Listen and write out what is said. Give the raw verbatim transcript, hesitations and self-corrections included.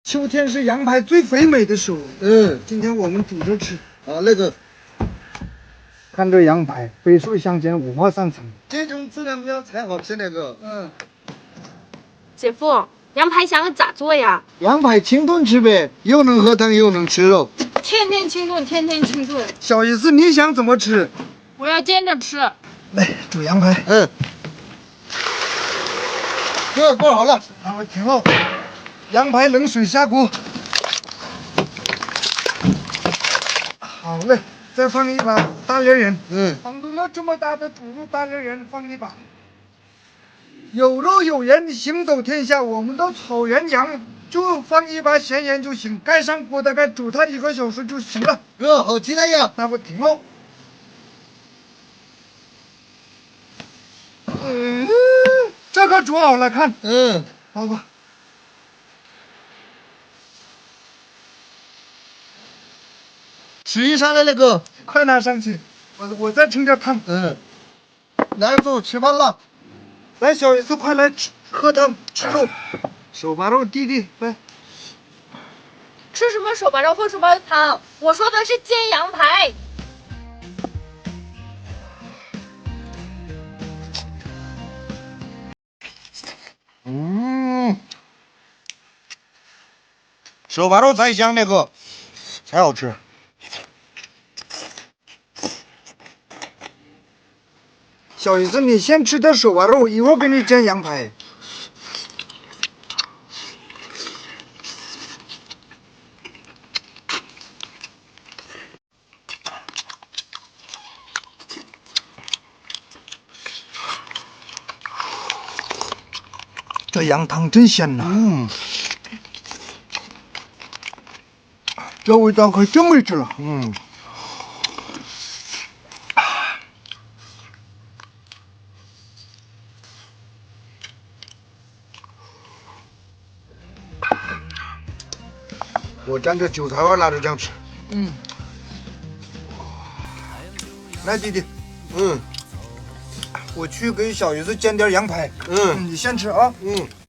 秋天是羊排最肥美的时候。 嗯， 今天我们煮着吃。 啊，那个， 看这羊排，飞速相间，五花三层。 这种质量比才好吃那个。 嗯， 姐夫，羊排香咋做呀？ 羊排清炖吃呗，又能喝汤又能吃肉。 天天清炖，天天清炖。 小意思，你想怎么吃？ 我要煎着吃。 来，煮羊排。 嗯，这锅好了， 好，挺好。羊排冷水下锅。好嘞，再放一把大连盐。 嗯， 放入了这么大的土路，大连盐放一把。有肉有盐，行走天下。我们的草原羊就放一把咸盐就行。盖上锅，大概煮它一个小时就行了。 哥，好期待呀！ 那不挺好？嗯，这个煮好了，看， 嗯， 好吧。 吃一上来那个， 快拿上去，我我再盛点汤。 嗯，来走，吃饭了。 来，小姨子，快来吃喝汤吃肉，手把肉弟弟来。 吃什么手把肉喝什么汤？我说的是煎羊排。 嗯，手把肉才香那个，才好吃。 小姨子，你先吃点手把肉，一会儿给你煎羊排。这羊汤真鲜呐！ 嗯， 这味道可真没治了。 嗯， 我蘸着韭菜花拿着这样吃。 嗯， 来，弟弟， 嗯， 我去给小姨子煎点羊排。 嗯， 你先吃啊。 嗯。